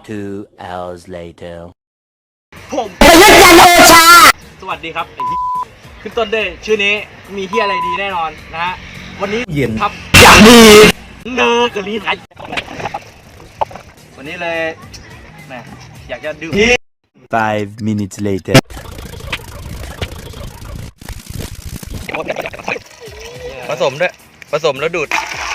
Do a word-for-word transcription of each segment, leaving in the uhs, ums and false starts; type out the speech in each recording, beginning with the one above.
Two hours later. ผมสวัสดีครับไอ้เหี้ยขึ้นต้นด้วยชื่อนี้มีเฮียอะไรดีแน่นอนนะฮะวันนี้เย็นครับอย่างดีเนอร์กะลีไทยวันนี้เลยแหมอยากจะดื่ม Five minutes later. ผสมด้วยผสมแล้วดูด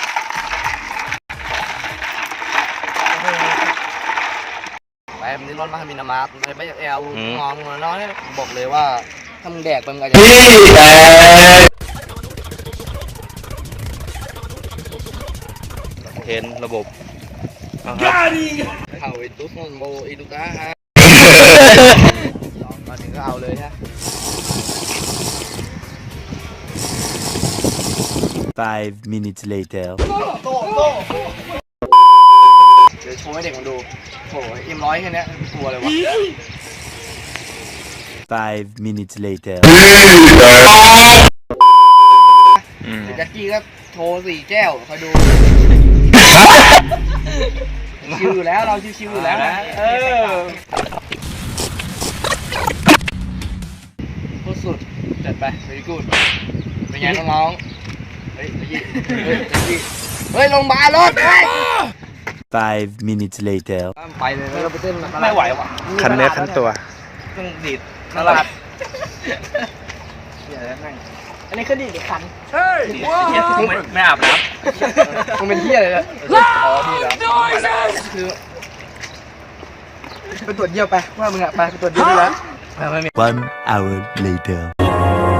ไปมันนี่ร้อนมากมีน้ำมันไปไปแอลงองน้อยบอกเลยว่าถ้ามึงแดกไปมึงอาจจะเห็นระบบเข้าไอ้ตุ๊กมองโบอีลูก้าฮะมาถึงก็เอาเลยฮะ Five minutes later. โต้โต้เดี๋ยวโชว์ให้เด็กมันดูโอ้ยเอ็มร้อยแค่นี้กลัวเลยวะ Five minutes later. เดี๋ยวแจ็คกี้ก็โชว์สี่แก้วคอยดูชิวอยู่แล้วเราชิวๆอยู่แล้วนะเออโคตรสุดจัดไป very good เป็นไงน้องๆเฮ้ยเฮ้ยเฮ้ยเฮ้ยลงมารถเฮ้ย Five minutes later. ไปเลยเราไปเต้นไม่ไหวว่ะคันเนื้อคันตัวต้องดีดตลาดอันนี้คือดีดคันเฮ้ยไม่ไม่อาบน้ำมึงเป็นเที่ยอะไรเนี่ยอ๋อพี่เหรอคือไปตรวจเยี่ยวไปว่ามึงอะไปไปตรวจเยี่ยวได้แล้ว One hour later.